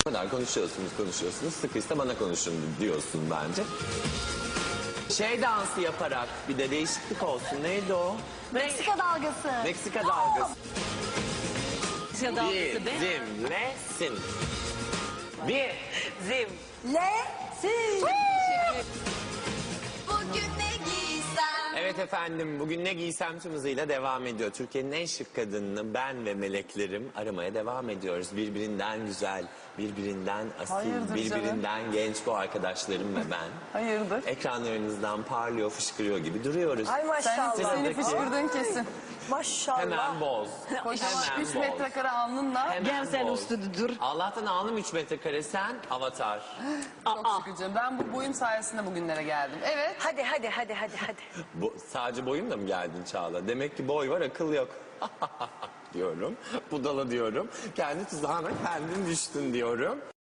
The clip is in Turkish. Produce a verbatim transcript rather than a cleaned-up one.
Bu kadar konuşuyorsunuz, konuşuyorsunuz. Sıkıysa bana konuşun diyorsun bence. Şey dansı yaparak bir de değişiklik olsun. Neydi o? Meksika dalgası. Meksika dalgası. Meksika dalgası be. Bizimlesin. Bir. Zim. Le. Si. Bugün ne giysem? Evet efendim, bugün ne giysem tüm hızıyla devam ediyor. Türkiye'nin en şık kadınını ben ve meleklerim aramaya devam ediyoruz. Birbirinden güzel, birbirinden asil, Hayırdır birbirinden genç bu arkadaşlarım ve ben. Hayırdır? Ekranlarınızdan parlıyor, fışkırıyor gibi duruyoruz. Ay Sen maşallah. seni Sıradaki. fışkırdığın kesin. Maşallah. Hemen boz. Kocaman Hemen üç boz. metrekare alnınla Hemen Gel sen boz. üstüne dur. Allah'tan alnım üç metrekare, sen avatar. çok şükür canım. Ben bu boyum sayesinde bugünlere geldim. Evet. Hadi hadi hadi hadi hadi. Bu, sadece boyumla mı geldin Çağla? Demek ki boy var, akıl yok. diyorum. Budala diyorum. Kendi tuzağına kendin düştün diyorum.